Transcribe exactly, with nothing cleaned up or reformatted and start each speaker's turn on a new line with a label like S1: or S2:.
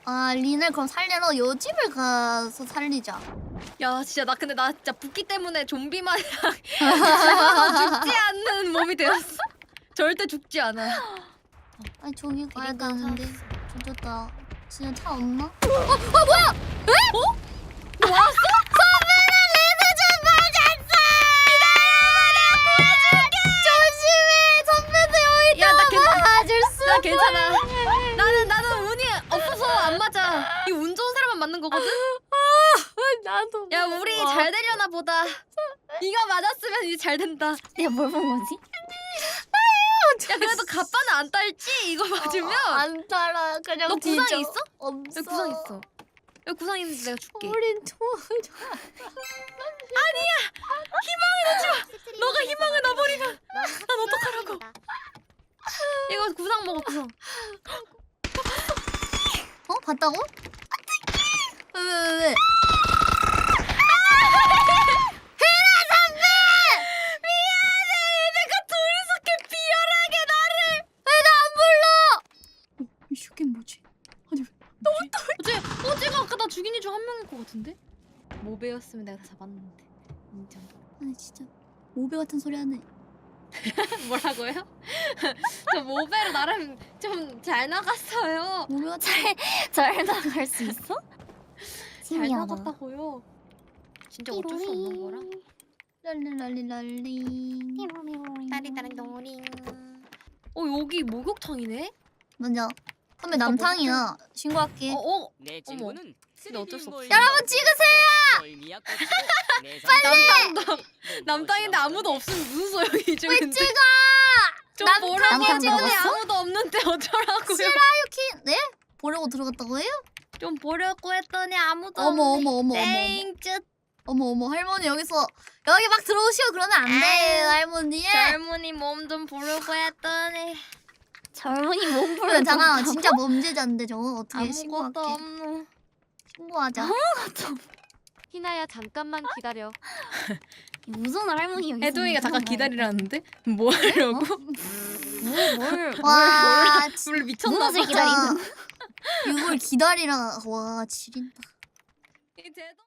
S1: 아 린을 그럼 살리러 요 집을 가서 살리자.
S2: 야 진짜 나 근데 나 진짜 붓기 때문에 좀비 마냥 죽어도 죽지 않는 몸이 되었어. 절대 죽지 않아.
S1: 아니 저기 가야
S2: 비린가
S1: 되는데. 조졌다. 진짜 차 없나?
S2: 어? 어 뭐야? 에? 어? 너 왔어?
S1: 선배는 레드 좀 맞았어! 조심해! 선배도 여기
S2: 야, 나
S1: 있다가 맞을 수
S2: 나 괜찮아. 나는 나는 운이 없어서 안 맞아. 이 운 좋은 사람만 맞는 거거든.
S1: 나도.
S2: 야 우리 잘 되려나 보다. 이거 맞았으면 이제 잘 된다.
S3: 내가 뭘 본 거지?
S2: 야 그래도 가빠는 안 딸지 이거 맞으면.
S1: 어, 안 따라. 그냥
S2: 너 구상
S1: 뒤져.
S2: 있어?
S1: 없어.
S2: 여기 구상 있어. 여기 구상 있는데 내가 줄게.
S1: 우린 좋아.
S2: 너가 희망을 놔버리면 난 어떡하라고. 이거 구상 먹어 구상.
S1: 어? 봤다고? 왜, 왜, 왜, 왜?
S2: 내가 둘이서 이렇게 비열하게 나를.
S1: 이 새끼 뭐지? 아니
S2: 너 어떡해? 어제 어제가 아까 나 죽인 이 중 한 명일 것 같은데? 모베였으면 내가 다 잡았는데. 인정.
S1: 아니 진짜 모배 같은 소리 하네.
S2: 뭐라고요? 저 모베로 나름 좀 잘 나갔어요.
S1: 모배 같은
S3: 잘 나갈 수 있어?
S2: 잘
S3: 신기하다.
S2: 나갔다고요. 진짜 어쩔 수 없는 거라.
S1: 랄리랄리랄리.
S2: 따리따리 노링. 어 여기 목욕탕이네?
S1: 먼저 선배 남탕이야. 신고할게.
S2: 어 어.
S4: 내 친구는
S2: 근데 어쩔 수 없어.
S1: 여러분 찍으세요.
S4: 빨리.
S2: 남탕 남탕인데 아무도 없으면 무슨 소용이지?
S1: 왜
S2: 근데?
S1: 찍어?
S2: 좀
S1: 남탕
S2: 보라고
S3: 남탕
S2: 했더니
S3: 먹었어?
S2: 아무도 없는데 어쩌라고요?
S1: 시라유키 네? 보려고 들어갔다고 해요?
S2: 좀 보려고 했더니 아무도
S1: 어머
S2: 없네.
S1: 어머 어머 어머
S2: 땡쯧.
S1: 어머 어머 할머니 여기서 여기 막 들어오시고 그러면 안 돼요
S2: 아유,
S1: 할머니.
S2: 젊은이 몸 좀 보려고 했더니
S3: 젊은이 몸부를
S1: 그래 잠깐 진짜 범죄자인데 저거 어떻게
S2: 아무것도
S1: 신고할게.
S2: 없노.
S1: 신고하자.
S5: 희나야 잠깐만 기다려.
S3: 무슨 할머니 여기
S2: 해동이가
S3: 있으면
S2: 잠깐
S3: 그런
S2: 기다리라는데? 뭐 하려고?
S3: 거. 뭘, 뭘,
S1: 와
S2: 물 미쳤나 봐.
S3: 무엇을 기다리는
S1: 이걸 기다리라. 와 지린다.
S2: 이 제도